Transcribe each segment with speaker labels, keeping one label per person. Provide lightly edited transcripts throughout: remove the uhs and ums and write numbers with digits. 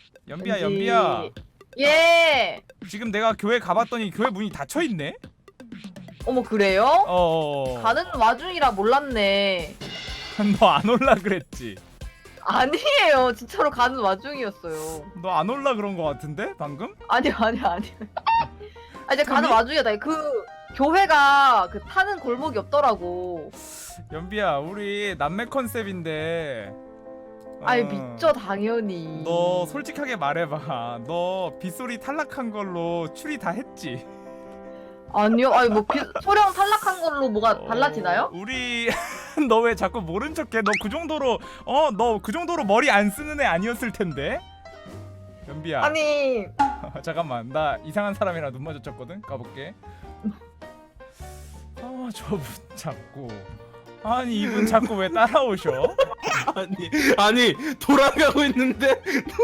Speaker 1: 연비야
Speaker 2: 왠지-
Speaker 1: 연비야.
Speaker 2: 예.
Speaker 1: 지금 내가 교회 가봤더니 교회 문이 닫혀있네?
Speaker 2: 어머 그래요? 가는 와중이라 몰랐네.
Speaker 1: 너 안 올라 그랬지?
Speaker 2: 아니에요. 진짜로 가는 와중이었어요.
Speaker 1: 너 안 올라 그런 거 같은데 방금?
Speaker 2: 아니. 아 이제 가는
Speaker 1: 아니?
Speaker 2: 와중이다. 그 교회가 그 타는 골목이 없더라고.
Speaker 1: 연비야 우리 남매 컨셉인데
Speaker 2: 아니 믿죠 당연히.
Speaker 1: 너 솔직하게 말해봐. 너 빗소리 탈락한 걸로 추리 다 했지?
Speaker 2: 아니요. 아니 뭐 소령 탈락한 걸로 뭐가 달라지나요?
Speaker 1: 우리 너 왜 자꾸 모른 척해? 너 그 정도로 너 그 정도로 머리 안 쓰는 애 아니었을 텐데. 연비야.
Speaker 2: 아니
Speaker 1: 잠깐만 나 이상한 사람이랑 눈 마주쳤거든. 가볼게. 저분 자꾸 아니 이분 자꾸 왜 따라오셔?
Speaker 3: 아니 돌아가고 있는데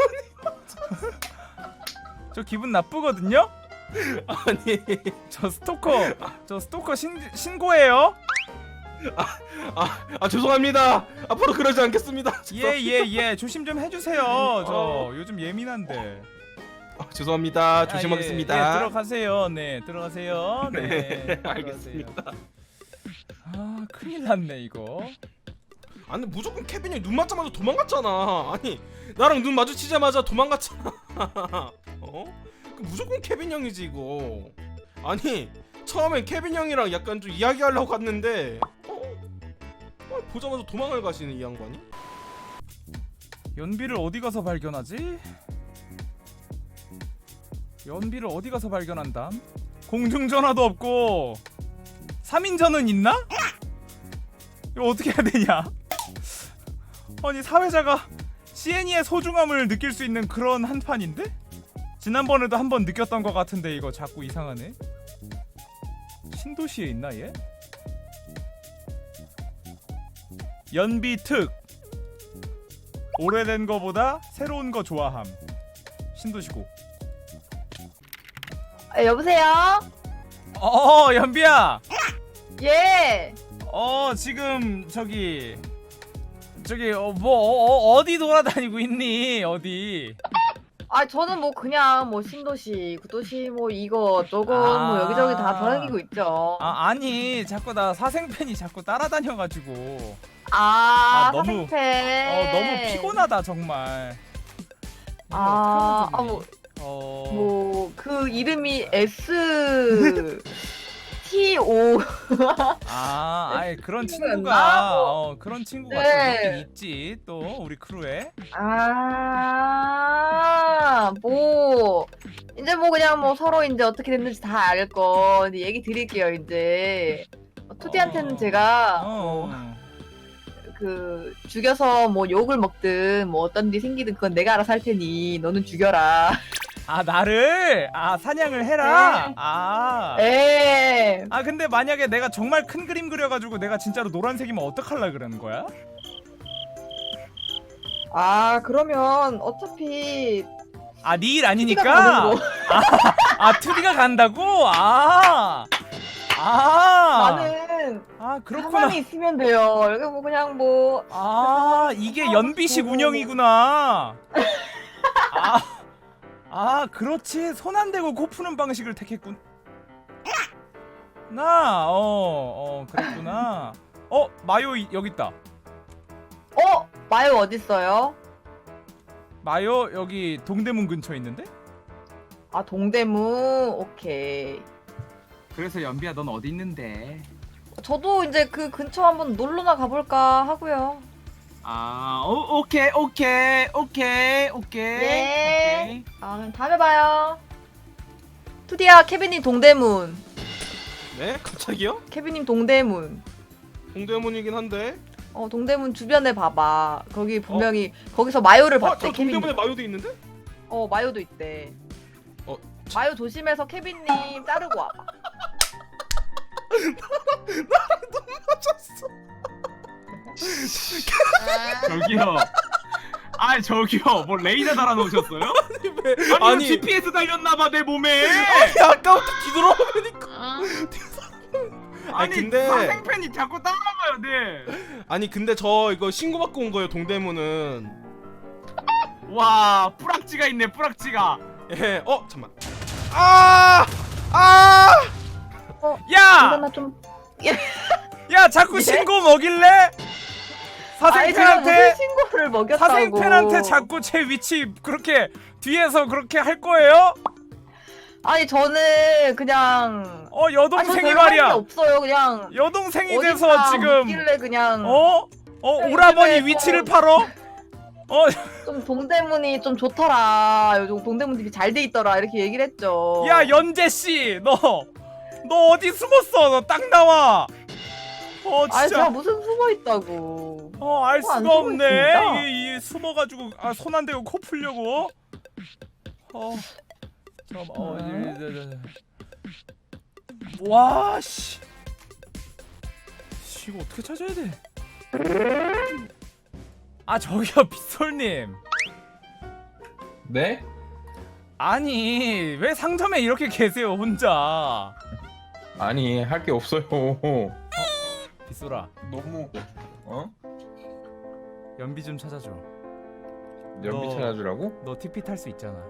Speaker 1: 저 기분 나쁘거든요.
Speaker 3: 아니
Speaker 1: 저 스토커 신고해요.
Speaker 3: 죄송합니다. 앞으로 그러지 않겠습니다.
Speaker 1: 예 조심 좀 해주세요. 저 요즘 예민한데.
Speaker 3: 죄송합니다. 조심하겠습니다.
Speaker 1: 예, 들어가세요. 네 들어가세요. 네
Speaker 3: 알겠습니다.
Speaker 1: 아 큰일 났네 이거.
Speaker 3: 아니 무조건 케빈이 눈 맞자마자 도망갔잖아. 아니 나랑 눈 마주치자마자 도망갔잖아. 무조건 케빈 형이지 이거. 아니 처음엔 케빈 형이랑 약간 좀 이야기하려고 갔는데 보자마자 도망을 가시는 이 양반이.
Speaker 1: 연비를 어디 가서 발견하지? 연비를 어디 가서 발견한담? 공중전화도 없고 3인전은 있나? 이거 어떻게 해야 되냐? 아니 사회자가 CNE의 소중함을 느낄 수 있는 그런 한판인데? 지난번에도 한번 느꼈던 것 같은데 이거 자꾸 이상하네. 신도시에 있나 얘? 연비 특 오래된 거보다 새로운 거 좋아함. 신도시고.
Speaker 2: 여보세요?
Speaker 1: 연비야.
Speaker 2: 예.
Speaker 1: 지금 저기 어디 돌아다니고 있니? 어디?
Speaker 2: 아 저는 뭐 그냥 뭐 신도시, 구도시 뭐 이거 저거 뭐 여기저기 다 돌아다니고 있죠.
Speaker 1: 아니 자꾸 나 사생팬이 자꾸 따라다녀가지고 너무
Speaker 2: 사생팬.
Speaker 1: 너무 피곤하다 정말.
Speaker 2: 뭐 그 이름이 S T O.
Speaker 1: 아이 그런
Speaker 2: 친구였나?
Speaker 1: 친구가 그런 친구가
Speaker 2: 네.
Speaker 1: 또 있긴 있지 또 우리 크루에.
Speaker 2: 뭐 이제 뭐 그냥 뭐 서로 이제 어떻게 됐는지 다 알 거 이제 얘기 드릴게요. 이제 투디한테는 제가 그 죽여서 뭐 욕을 먹든 뭐 어떤 일이 생기든 그건 내가 알아서 할 테니 너는 죽여라.
Speaker 1: 나를 사냥을 해라.
Speaker 2: 에.
Speaker 1: 근데 만약에 내가 정말 큰 그림 그려가지고 내가 진짜로 노란색이면 어떡할라 그러는 거야?
Speaker 2: 그러면 어차피
Speaker 1: 네 일 아니니까?
Speaker 2: 가는 거.
Speaker 1: 2D가 간다고?
Speaker 2: 나는
Speaker 1: 그렇구나.
Speaker 2: 가만히 있으면 돼요. 여기 뭐 그냥 뭐
Speaker 1: 이게 연비식 운영이구나. 그렇지. 손 안 대고 코 푸는 방식을 택했군. 그랬구나. 마요 여기 있다.
Speaker 2: 마요 어딨어요?
Speaker 1: 마요 여기 동대문 근처에 있는데?
Speaker 2: 동대문. 오케이.
Speaker 1: 그래서 연비야 넌 어디 있는데?
Speaker 2: 저도 이제 그 근처 한번 놀러나 가볼까 하고요.
Speaker 1: 오케이.
Speaker 2: 예. 그럼 다음에 봐요. 투디야, 케빈님 동대문.
Speaker 3: 네? 갑자기요?
Speaker 2: 케빈님 동대문.
Speaker 3: 동대문이긴 한데.
Speaker 2: 동대문 주변에 봐봐. 거기 분명히 거기서 마요를
Speaker 3: 저
Speaker 2: 봤대. 케빈님.
Speaker 3: 동대문에 마요도 있는데?
Speaker 2: 마요도 있대.
Speaker 3: 자-
Speaker 2: 마요 조심해서 케빈님 따르고 와봐.
Speaker 1: 저기요 뭐 레이더 달아놓으셨어요?
Speaker 3: 아니
Speaker 1: GPS 달렸나봐 내 몸에.
Speaker 3: 아까부터 뒤돌아보니까. 근데
Speaker 1: 사생팬이 자꾸 따라가요. 네.
Speaker 3: 아니 근데 저 이거 신고받고 온 거예요. 동대문은
Speaker 1: 와 뿌락지가 있네 뿌락지가.
Speaker 3: 예. 잠만. 아!
Speaker 1: 야!
Speaker 2: 이거나 좀.
Speaker 1: 야 자꾸
Speaker 2: 예?
Speaker 1: 신고 먹일래?
Speaker 2: 아니 제가 무슨
Speaker 1: 사생팬한테
Speaker 2: 신고를 먹였다고.
Speaker 1: 사생팬한테 자꾸 제 위치 그렇게 뒤에서 그렇게 할 거예요?
Speaker 2: 아니 저는 그냥. 아니, 저
Speaker 1: 여동생이
Speaker 2: 별로 할게
Speaker 1: 말이야.
Speaker 2: 없어요 그냥.
Speaker 1: 여동생이
Speaker 2: 어딘가
Speaker 1: 돼서 지금
Speaker 2: 묻길래 그냥.
Speaker 1: 오라버니
Speaker 2: 요즘에
Speaker 1: 위치를 팔어?
Speaker 2: 좀 동대문이 좀 좋더라. 요즘 동대문 집이 잘 돼 있더라. 이렇게 얘기를 했죠.
Speaker 1: 야 연재 씨, 너 어디 숨었어? 너 딱 나와.
Speaker 2: 아니 제가
Speaker 1: 진짜.
Speaker 2: 무슨 숨어 있다고.
Speaker 1: 알
Speaker 2: 안
Speaker 1: 수가
Speaker 2: 숨어
Speaker 1: 없네.
Speaker 2: 있습니다.
Speaker 1: 이게 숨어가지고 손 안 대고 코 풀려고. 잠깐만. 와 씨. 이거 어떻게 찾아야 돼? 저기요 빗솔님.
Speaker 4: 네?
Speaker 1: 아니 왜 상점에 이렇게 계세요 혼자?
Speaker 4: 아니 할 게 없어요.
Speaker 1: 빗솔아
Speaker 4: 너무
Speaker 1: 연비 좀 찾아줘.
Speaker 4: 연비
Speaker 1: 너-
Speaker 4: 찾아주라고?
Speaker 1: 너 TP 탈 수 있잖아.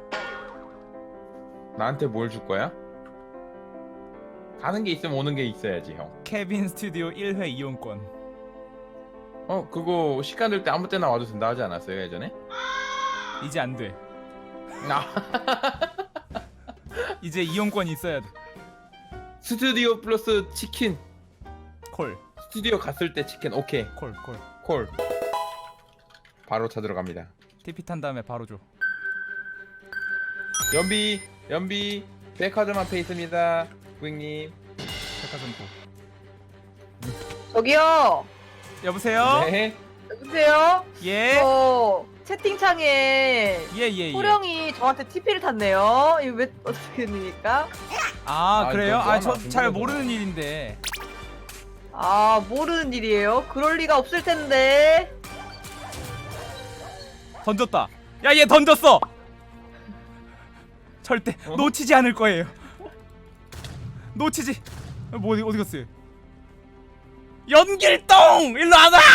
Speaker 4: 나한테 뭘 줄 거야? 가는 게 있으면 오는 게 있어야지 형.
Speaker 1: 케빈 스튜디오 1회 이용권.
Speaker 4: 그거 시간 될 때 아무 때나 와도 된다 하지 않았어요 예전에?
Speaker 1: 이제 안 돼.
Speaker 4: 아
Speaker 1: 이제 이용권이 있어야 돼.
Speaker 4: 스튜디오 플러스 치킨.
Speaker 1: 콜.
Speaker 4: 스튜디오 갔을 때 치킨. 오케이
Speaker 1: 콜.
Speaker 4: 콜. 바로 찾으러 갑니다.
Speaker 1: TP 탄 다음에 바로 줘.
Speaker 4: 연비 백화점 앞에 있습니다 고객님.
Speaker 1: 백화점 고.
Speaker 2: 저기요.
Speaker 1: 여보세요?
Speaker 4: 네.
Speaker 2: 여보세요.
Speaker 1: 예?
Speaker 2: 저 채팅창에
Speaker 1: 예.
Speaker 2: 호령이 저한테 TP를 탔네요. 이거 왜 어떻게 됩니까?
Speaker 1: 그래요?
Speaker 4: 이거
Speaker 1: 저
Speaker 4: 하나
Speaker 1: 잘
Speaker 4: 궁금하잖아.
Speaker 1: 모르는 일인데.
Speaker 2: 모르는 일이에요. 그럴 리가 없을 텐데.
Speaker 1: 던졌다. 야, 얘 던졌어. 절대 놓치지 않을 거예요. 놓치지. 어디 갔어요? 연길동! 일로 안 와!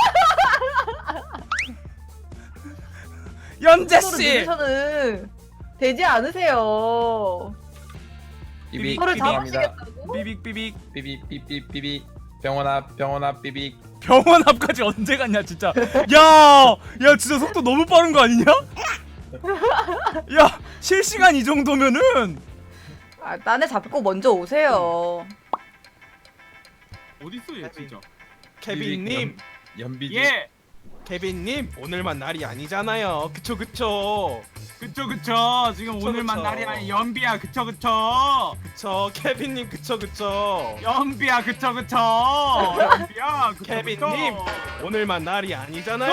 Speaker 1: 연재
Speaker 2: 서로
Speaker 1: 씨.
Speaker 2: 누르셔는 되지 않으세요.
Speaker 4: 삐빅
Speaker 2: 서로
Speaker 4: 삐빅합니다.
Speaker 2: 잡으시겠다고?
Speaker 1: 삐빅.
Speaker 4: 삐빅 병원 앞 삐빅.
Speaker 1: 병원 앞까지 언제 갔냐 진짜. 야 진짜 속도 너무 빠른 거 아니냐? 야 실시간 이 정도면은.
Speaker 2: 딴애 잡고 먼저 오세요.
Speaker 1: 어딨어 얘 진짜.
Speaker 3: 케빈님,
Speaker 4: 연비지.
Speaker 1: 예.
Speaker 3: 케빈님 오늘만 날이 아니잖아요. 그쵸.
Speaker 1: 그쵸. 지금
Speaker 3: 그쵸,
Speaker 1: 오늘만
Speaker 3: 그쵸.
Speaker 1: 날이 아니 연비야. 그쵸.
Speaker 3: 그쵸. 케빈님 그쵸.
Speaker 1: 연비야. 그쵸. 연비야.
Speaker 3: 케빈님 오늘만 날이 아니잖아요.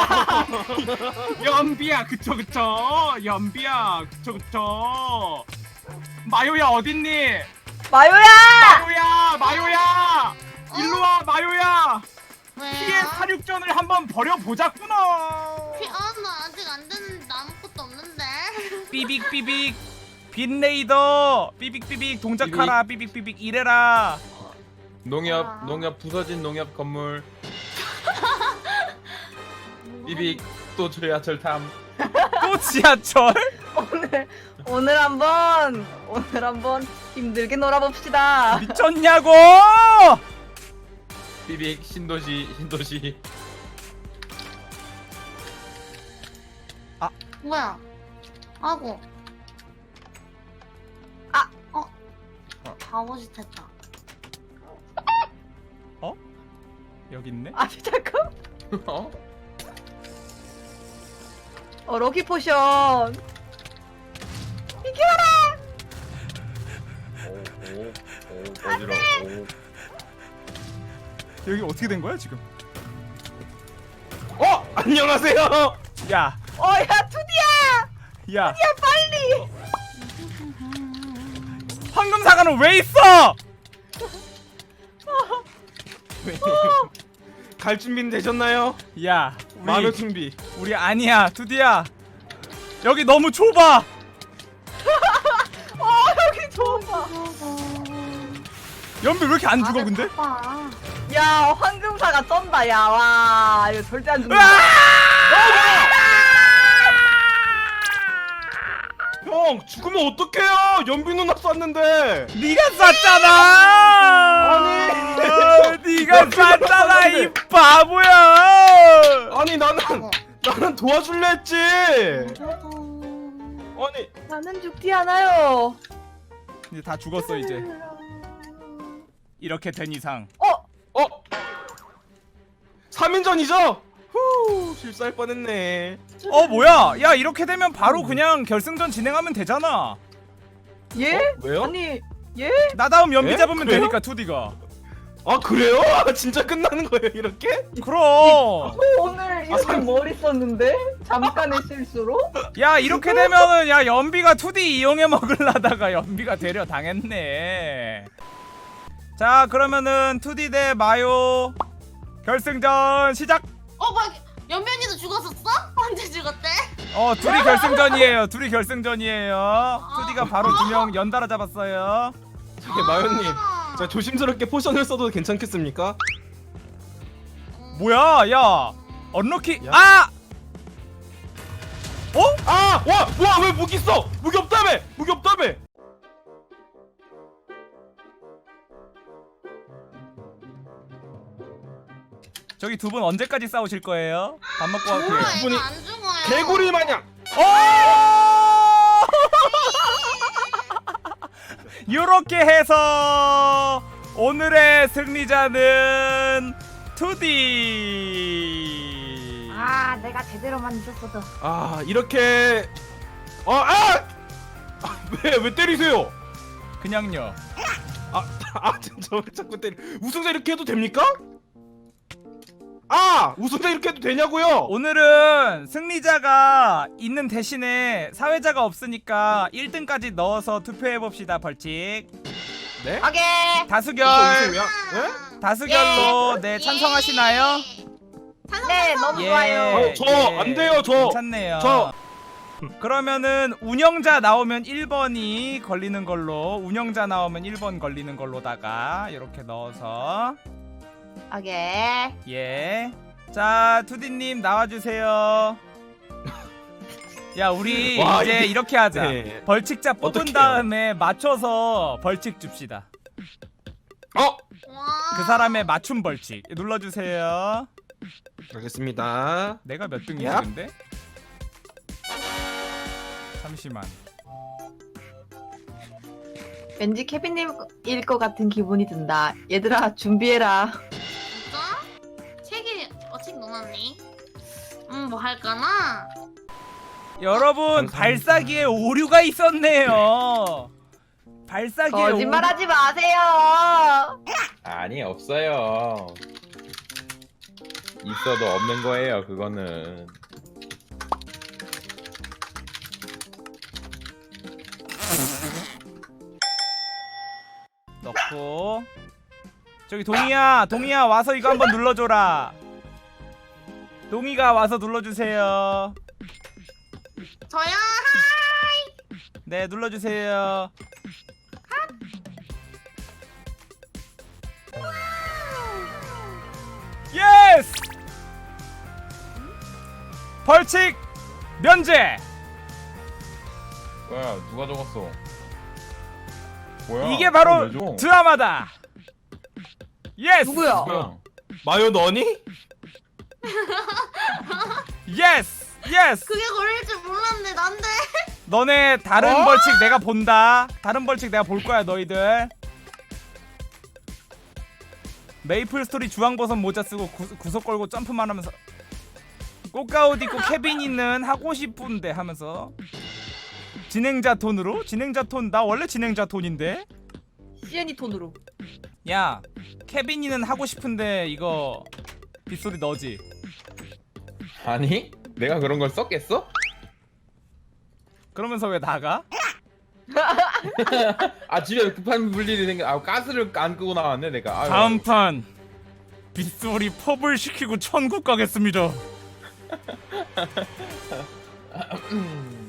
Speaker 1: 연비야. 그쵸. 연비야. 그쵸. 마요야 어딨니?
Speaker 2: 마요야!
Speaker 1: 마요야. 일로와 마요야.
Speaker 5: 왜?
Speaker 1: 피해 사륙전을 한번 벌여보자꾸나.
Speaker 5: 나 아직 안 됐는데 아무것도 없는데.
Speaker 1: 삐빅 빈레이더 삐빅 동작하라. 삐빅 이래라.
Speaker 4: 농협 부서진 농협 건물. 삐빅 또 지하철 탐.
Speaker 1: 또 지하철?
Speaker 2: 오늘 한번 힘들게 놀아봅시다.
Speaker 1: 미쳤냐고.
Speaker 4: 삐빅 신도시.
Speaker 5: 뭐야? 아고. 바보짓했다.
Speaker 1: 여기 있네.
Speaker 2: 잠깐.
Speaker 4: 어?
Speaker 2: 럭키 포션.
Speaker 4: 오 어지러워.
Speaker 1: 여기 어떻게 된 거야 지금?
Speaker 3: 안녕하세요.
Speaker 1: 야
Speaker 2: 야 투디야.
Speaker 1: 야 빨리. 황금 사과는 왜 있어?
Speaker 3: 갈 준비는 되셨나요?
Speaker 1: 야
Speaker 3: 마녀
Speaker 1: 우리
Speaker 3: 준비.
Speaker 1: 우리 아니야 두디야. 여기 너무 좁아.
Speaker 2: 여기 좋아.
Speaker 1: 연비 왜 이렇게 안 죽어 근데?
Speaker 5: 봐.
Speaker 2: 야 황금사가 쩐다. 야 와 이거 절대 안 죽는다.
Speaker 3: 형 죽으면 어떡해요? 연비 누나 쐈는데.
Speaker 1: 네가 쐈잖아.
Speaker 3: 아니.
Speaker 1: 네가 쐈잖아 이 바보야.
Speaker 3: 아니 나는 도와줄래 했지. 아니
Speaker 2: 나는 죽지 않아요.
Speaker 1: 이제 다 죽었어 이제. 이렇게 된 이상.
Speaker 3: 3인전이죠? 후 실수할 뻔했네.
Speaker 1: 뭐야? 야 이렇게 되면 바로 그냥 결승전 진행하면 되잖아.
Speaker 2: 예?
Speaker 3: 왜요?
Speaker 2: 아니
Speaker 1: 나 다음 연비
Speaker 3: 에?
Speaker 1: 잡으면
Speaker 3: 그래요?
Speaker 1: 되니까 2D가.
Speaker 3: 아 그래요? 진짜 끝나는 거예요 이렇게?
Speaker 1: 그럼.
Speaker 2: 오늘 이렇게 머리 썼는데 잠깐의 실수로?
Speaker 1: 야 이렇게 되면은 야 연비가 2D 이용해 먹으려다가 연비가 데려 당했네. 자 그러면은 2D 대 마요 결승전 시작.
Speaker 5: 막 연변이도 죽었었어? 언제 죽었대?
Speaker 1: 둘이 결승전이에요. 둘이 결승전이에요. 2D가 바로 2명 연달아 잡았어요.
Speaker 3: 저기 마요님 자 조심스럽게 포션을 써도 괜찮겠습니까?
Speaker 1: 뭐야 야 언럭키.
Speaker 3: 야.
Speaker 1: 아!
Speaker 3: 와 왜 무기 써? 무기 없다며! 무기 없다며!
Speaker 1: 저기 두 분 언제까지 싸우실 거예요? 밥 먹고 갈게요.
Speaker 5: 몰라
Speaker 3: 분이
Speaker 5: 애가 안 죽어요.
Speaker 3: 개구리 마냥!
Speaker 1: 이렇게 해서 오늘의 승리자는 2D.
Speaker 2: 아 내가 제대로 만졌어도.
Speaker 3: 이렇게 왜 때리세요?
Speaker 1: 그냥요.
Speaker 3: 진짜 왜 자꾸 때리 우승자 이렇게 해도 됩니까? 우승자 이렇게 해도 되냐고요?
Speaker 1: 오늘은 승리자가 있는 대신에 사회자가 없으니까 1등까지 넣어서 투표해 봅시다. 벌칙.
Speaker 3: 네?
Speaker 2: 오케이.
Speaker 1: 다수결.
Speaker 3: 우승이야? 네?
Speaker 1: 다수결로 네 찬성하시나요?
Speaker 2: 네 너무
Speaker 1: 예.
Speaker 2: 좋아요.
Speaker 3: 저 안 돼요 저.
Speaker 1: 괜찮네요.
Speaker 3: 저.
Speaker 1: 그러면은 운영자 나오면 1번이 걸리는 걸로, 운영자 나오면 1번 걸리는 걸로다가 이렇게 넣어서
Speaker 2: 오케이.
Speaker 1: 예. 자, 투디님 나와주세요. 야, 우리
Speaker 3: 와,
Speaker 1: 이제
Speaker 3: 이게-
Speaker 1: 이렇게 하자.
Speaker 3: 네.
Speaker 1: 벌칙자 뽑은
Speaker 3: 어떡해요?
Speaker 1: 다음에 맞춰서 벌칙 줍시다.
Speaker 5: 와.
Speaker 1: 그 사람의 맞춤 벌칙 눌러주세요.
Speaker 3: 알겠습니다.
Speaker 1: 내가 몇 등이지
Speaker 3: 야.
Speaker 1: 근데? 잠시만.
Speaker 2: 왠지 케빈님일 것 같은 기분이 든다. 얘들아 준비해라.
Speaker 5: 진짜? 책 넣어놨니? 뭐 할까나?
Speaker 1: 여러분
Speaker 3: 감사합니다.
Speaker 1: 발사기에 오류가 있었네요. 발사기에
Speaker 2: 거짓말하지 마세요.
Speaker 4: 아니 없어요. 있어도 없는 거예요. 그거는.
Speaker 1: 넣고 저기 동이야 와서 이거 한번 눌러줘라. 동이가 와서 눌러주세요.
Speaker 5: 저요?
Speaker 1: 네 눌러주세요. 예스! 벌칙 면제.
Speaker 4: 뭐야 누가 적었어? 뭐야?
Speaker 1: 이게 바로
Speaker 4: 왜 줘?
Speaker 1: 드라마다. 예스!
Speaker 2: 누구야?
Speaker 4: 뭐야?
Speaker 3: 마요 너니?
Speaker 1: 예스! 예스!
Speaker 5: 그게 걸릴 줄 몰랐는데 난데.
Speaker 1: 너네 다른 벌칙 내가 본다. 다른 벌칙 내가 볼 거야 너희들. 메이플 스토리 주황버섯 모자 쓰고 구석 걸고 점프만 하면서 꽃가옷 입고 케빈이는 하고 싶은데 하면서 진행자 톤으로? 진행자 톤 나 원래 진행자 톤인데.
Speaker 2: 시엔이 톤으로.
Speaker 1: 야 케빈이는 하고 싶은데 이거 빗소리 너지?
Speaker 4: 아니 내가 그런 걸 썼겠어?
Speaker 1: 그러면서 왜 나가?
Speaker 4: 아 집에 급한 물일이 생겨. 가스를 안 끄고 나왔네 내가. 아유.
Speaker 1: 다음 판 빗소리 펍을 시키고 천국 가겠습니다.